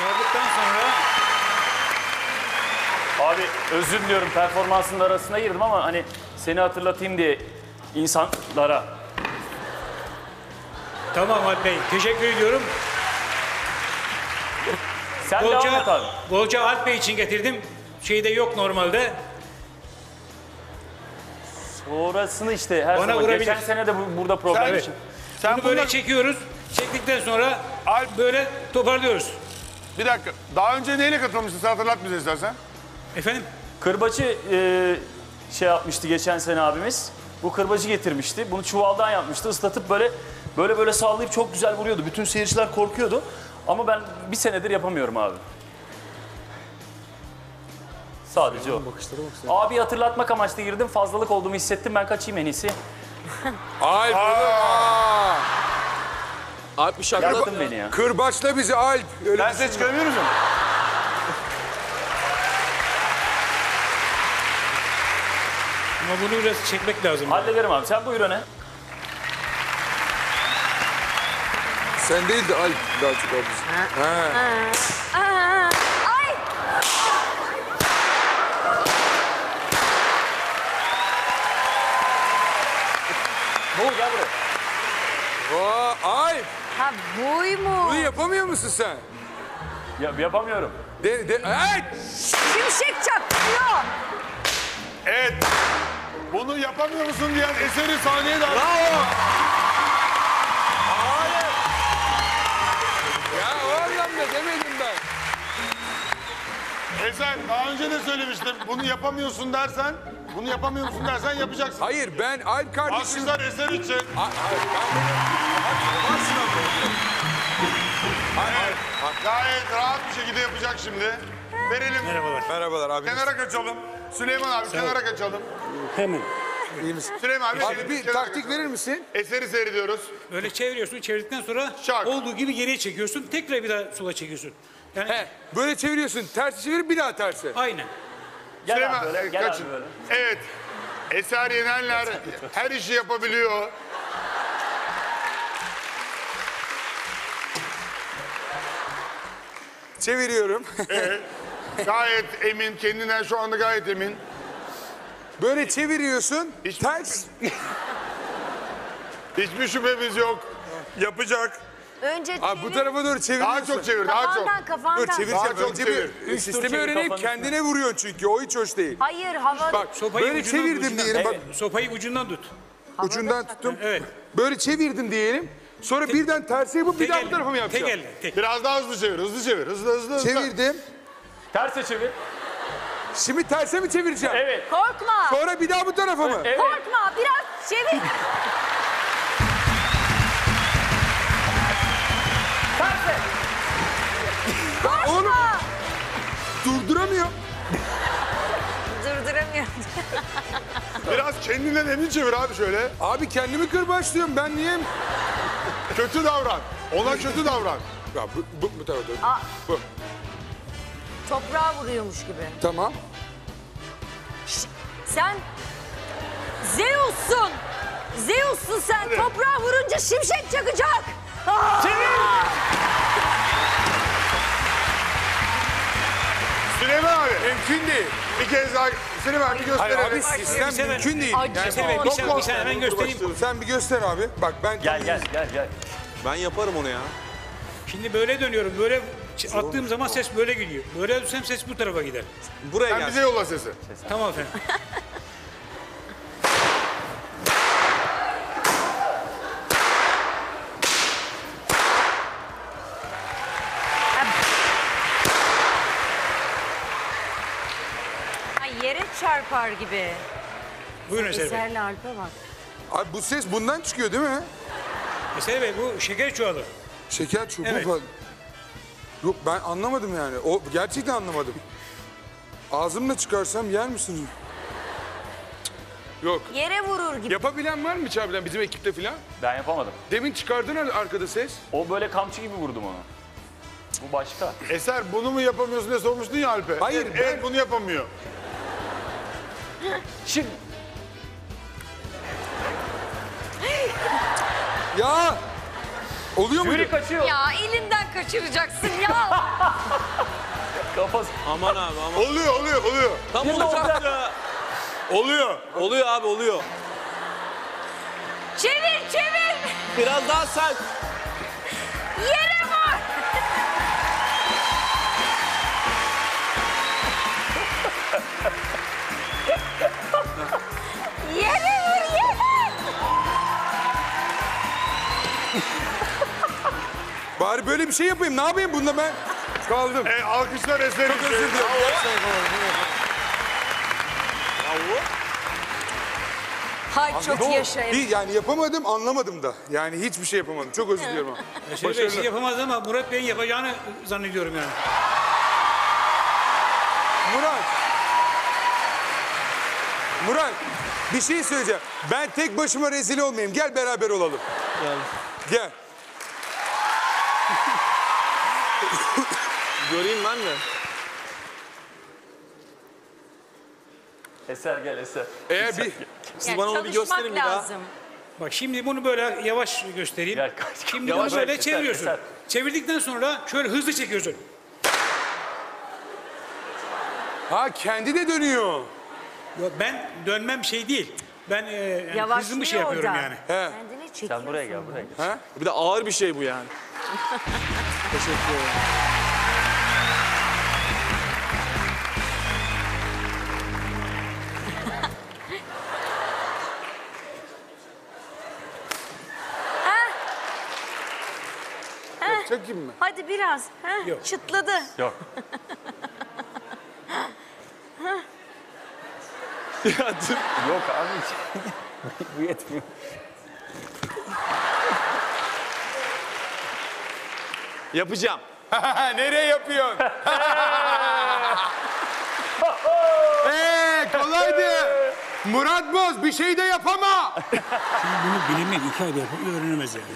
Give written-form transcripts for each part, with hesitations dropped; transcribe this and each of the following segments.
Sardıktan sonra... Abi özür diliyorum, performansının arasına girdim ama hani seni hatırlatayım diye insanlara. Tamam Alp Bey, teşekkür ediyorum. Sen devam et abi. Bolca Alp Bey için getirdim. Şeyde yok normalde. Sonrasını işte her Bana zaman. vurabilir. Geçen sene de burada program Evet. için. Sen Bunu böyle bunlar- çekiyoruz. Çektikten sonra Alp, böyle toparlıyoruz. bir dakika. Daha önce neyle katılmıştın? Sen hatırlat bize istersen. Efendim? Kırbacı şey yapmıştı geçen sene abimiz. Bu kırbacı getirmişti. Bunu çuvaldan yapmıştı. Islatıp böyle sallayıp çok güzel vuruyordu. Bütün seyirciler korkuyordu. Ama ben bir senedir yapamıyorum abi. Sadece o. Abi hatırlatmak amaçlı girdim. Fazlalık olduğumu hissettim. Ben kaçayım en iyisi. Alp. Alp bir şaka. Yaktın beni ya. Kırbaçla bizi Alp. Öyle Ben size çıkarabiliyor musun? Ama bunu biraz çekmek lazım. Hallederim abi. Sen buyur öne. Sen değil de Alp daha çok abi. Ay! Ne oldu, gel buraya. Alp. Ha buymuş. Bunu yapamıyor musun sen? Yapamıyorum. Evet. Şimşek çaktırıyor. Evet. Bunu yapamıyor musun diyen eseri sahneye davet. Bravo. Hayır. Ya o anlamda demedim ben. Eser daha önce de söylemiştim. Bunu yapamıyorsun dersen, yapacaksın. Hayır ben Alp kardeşim. Alkışlar Eser için. Hayır. Gayet rahat bir şekilde yapacak şimdi. Verelim. Merhabalar. Merhabalar abi. Kenara kaçalım. Süleyman abi kenara kaçalım. Hemen. İyi misin? Süleyman abi, Abi bir kenara taktik kaçalım. verir misin? Eseri seyrediyoruz. Öyle çeviriyorsun. Çevirdikten sonra Şak. olduğu gibi geriye çekiyorsun. Tekrar bir daha sola çekiyorsun. Yani He, böyle çeviriyorsun. Tersi çevir bir daha tersi. aynen. Gel Süleyman abi böyle. Gel kaçın. abi böyle. Evet. Eser Yenenler her işi yapabiliyor. Çeviriyorum. Gayet emin, kendinden şu anda gayet emin. Böyle çeviriyorsun. Hiç- Ters. Hiçbir şüphemiz yok. Yapacak. Önce Abi bu çevir. tarafa doğru çeviriyorsun. Daha çok çevir, daha çok. Kafandan. Dur çevireceğim. Daha çok Önce çevir. bir sistemi çevir öğreneyim. kafanın Kendine vuruyorsun çünkü. O hiç hoş değil. Hayır hava. Bak Sopayı böyle ucundan- çevirdim ucundan- diyelim. Bak Sopayı ucundan tut. ucundan tuttum. Evet. Böyle çevirdim diyelim. Sonra birden tersi yapıp bir daha bu tarafa mı yapacağım? Tek elle. Tek. Biraz daha hızlı çevir, hızlı çevir. Hızlı. Çevirdim. Terse çevir. Şimdi terse mi çevireceğim? Evet. Korkma. Sonra bir daha bu tarafa mı? Evet. Korkma. Biraz çevir. Terse. Oğlum durduramıyor. Durduramıyorum. Biraz kendinden emin çevir abi şöyle. Abi kendimi kırbaçlıyorum. Ben niye? Kötü davran. Ona kötü davran. Ya bu tarafa doğru. Aa. Bu. Toprağa vuruyormuş gibi. Tamam. Sen Zeus'sun. Zeus'sun sen. Hadi. Toprağa vurunca şimşek çakacak. Aa! Süleyman abi. Mümkün değil. Bir kez daha Süleyman abi bir Hayır gösterelim. abi sistem sefer- mümkün değil. Acı. Yani Sefer bir saniye hemen göstereyim. sen bir göster abi. Bak ben Gel. Ben yaparım onu ya. Şimdi böyle dönüyorum. Böyle attığım zaman ses böyle gidiyor. Böyle dönsem ses bu tarafa gider. Buraya Sen bize yolla sesi. Tamam efendim. Ay, yere çarpar gibi. Buyurun Eser Bey. Eserle Alp'e bak. Abi bu ses bundan çıkıyor değil mi? Eser Bey bu şeker çuvalı. Şeker çubuğu Evet. falan. Yok ben anlamadım yani. O gerçekten anlamadım. Ağzımla çıkarsam yer misin? Yok. Yere vurur gibi. Yapabilen var mı içeriden bizim ekipte falan? Ben yapamadım. Demin çıkardın arkada ses. O böyle kamçı gibi vurdum onu. Bu başka. Eser bunu mu yapamıyorsun diye sormuştun ya Alp'e. Hayır, Evet bunu yapamıyor. Şimdi Ya Oluyor muydu? Jüri kaçıyor. Ya elinden kaçıracaksın ya. Kafası. Aman abi aman. Oluyor. Tam Yine olacaktı. Oluyor. Oluyor abi oluyor. Çevir. Biraz daha sert. Yere vur. Yere vur yere. Bari böyle bir şey yapayım. Ne yapayım bunda ben? Kaldım. Alkışlar eserim. Çok özür dilerim. Hay çok yaşa. Yani yapamadım, anlamadım da. Yani hiçbir şey yapamadım. Çok özür diliyorum ama. Yaşar Bey şey yapamaz ama Murat Bey'in yapacağını zannediyorum yani. Murat, bir şey söyleyeceğim. Ben tek başıma rezil olmayayım. Gel beraber olalım. Gel. Göreyim ben de. Eser gel Eser. Eğer bir... Siz bana onu bir gösterin bir daha. lazım. Bak şimdi bunu böyle yavaş göstereyim. Gel kaç. Şimdi Yavaş bunu böyle Eser, çeviriyorsun. Eser. Çevirdikten sonra şöyle hızlı çekiyorsun. Ha kendi de dönüyor. Ya ben dönmem şey değil. Ben yani Yavaşlıyor hızlı bir şey yapıyorum o da. yani. He. Kendini çekiyorsun. Sen buraya gel buraya gel. Bir de ağır bir şey bu yani. Teşekkür ederim. Çekeyim mi? Hadi biraz. Heh, Yok. çıtladı. Yok. Ya dur. Yok abi. Bu yetmiyor. Yapacağım. Nereye yapıyorsun? Kolaydı. Murat Boz bir şey de yapama. Bunu bilinmek 2 ayda yapıp öğrenemez yani.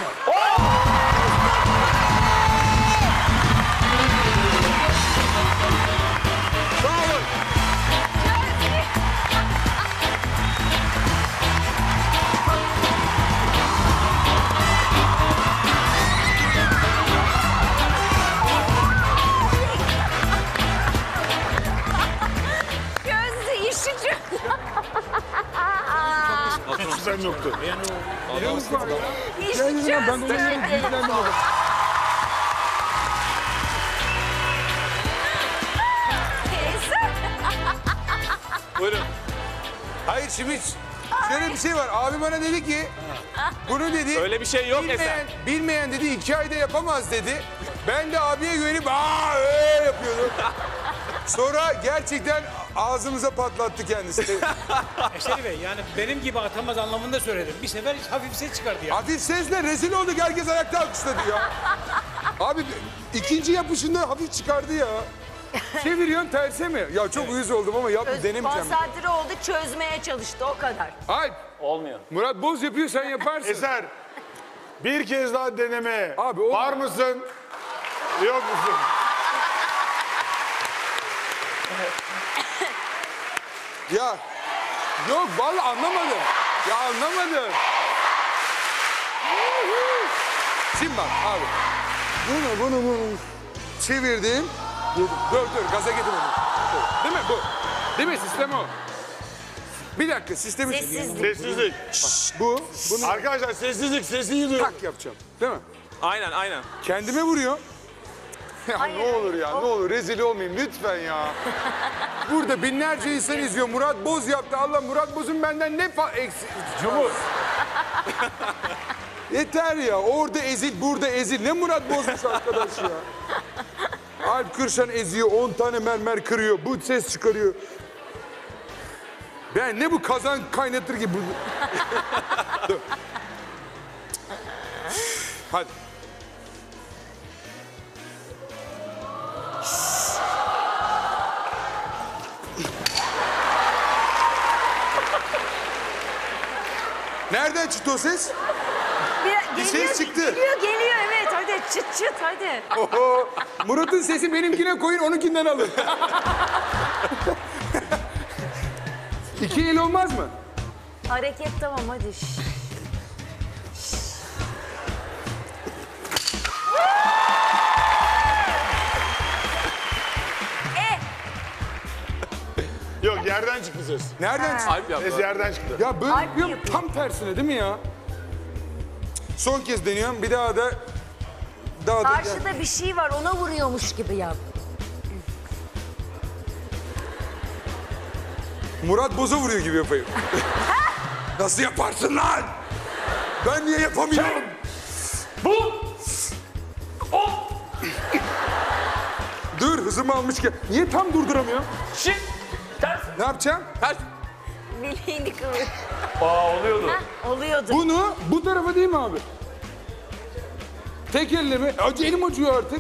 Gözlü işici. Güzel nokta. İşi çözdü. Buyurun. Hayır şimdi şöyle bir şey var. Abi bana dedi ki bunu dedi. Öyle bir şey yok Eser. Bilmeyen dedi 2 ayda yapamaz dedi. Ben de abiye güvenip öyle yapıyordum. Sonra gerçekten ağzımıza patlattı kendisi. Eşeri Bey yani benim gibi atamaz anlamında söyledim. Bir sefer hafif ses çıkardı ya. Hafif sesle rezil olduk. Herkes ayakta alkışladı ya. Abi ikinci yapışında hafif çıkardı ya. Çeviriyorsun terse mi? Ya çok uyuz oldum ama denemeyeceğim. Konsantre oldu, çözmeye çalıştı o kadar. Alp, Olmuyor. Murat Boz yapıyor sen yaparsın. Eser. Bir kez daha deneme. Abi, o- Var mısın? Yok musun? Ya yok vallahi anlamadım. Ya anlamadım. Şimdi bak abi. Bunu çevirdim. Dur gaza getirmedim. Değil mi bu? Değil mi sistem o? Bir dakika sistemi Sessizlik. bu. Bunu Arkadaşlar sessizlik, sesi iyi duyun. tak yapacağım. Değil mi? Aynen. Kendime vuruyor. Ya Hayır, ne olur ya, ne olur rezil olmayayım lütfen ya. Burada binlerce insan izliyor. Murat Boz yaptı. Allah Murat Boz'un benden ne eksik. Cumhur. Yeter ya. Orada ezil, burada ezil. Ne Murat Boz'muş arkadaş ya. Alp Kırşan eziyor. 10 tane mermer kırıyor. Bu ses çıkarıyor. Ben ne bu kazan kaynatır gibi. Dur. Hadi. Nereden çıktı o ses? Bir ses çıktı. Geliyor evet hadi çıt hadi. Oho, Murat'ın sesi benimkine koyun, onunkinden alın. 2 el olmaz mı? Hareket tamam hadi. yerden çıktı ses. Nereden çıktı? Alp yaptı. Ses yerden çıktı. Ya böyle Alp yapıyorum yapıyor. tam tersine değil mi ya? Son kez deniyorum. Bir daha da Karşıda bir şey var ona vuruyormuş gibi yap. Murat Boz'a vuruyor gibi yapayım. Nasıl yaparsın lan? Ben niye yapamıyorum? Bu. O. Dur hızımı almışken. Niye tam durduramıyorum? Şimdi. Ters. Ne yapacağım? Ters. Bileğini kıvır. Oluyordu. Heh, oluyordu. Bunu bu tarafa değil mi abi? Tek elle mi? Elim acıyor artık.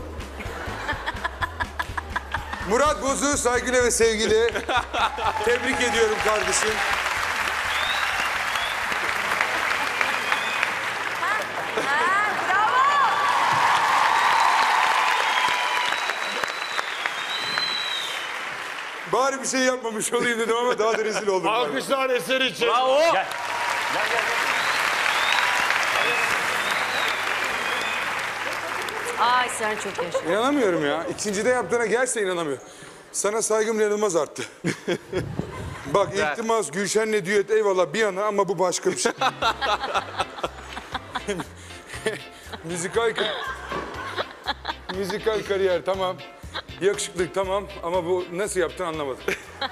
Murat Boz'u saygıyla ve sevgiyle tebrik ediyorum kardeşim. Ha, bravo. Bari bir şey yapmamış olayım dedim ama daha da rezil oldum. Alkışlar eser için. Bravo. Gel. Gel gel. Ay sen çok yaşa. İnanamıyorum ya. İkincide yaptığına gelse inanamıyorum. Sana saygım inanılmaz arttı. Bak İltimas Gülşen'le düet eyvallah bir yana ama bu başka bir şey. Müzikal kariyer tamam. Yakışıklık tamam ama bu nasıl yaptın anlamadım.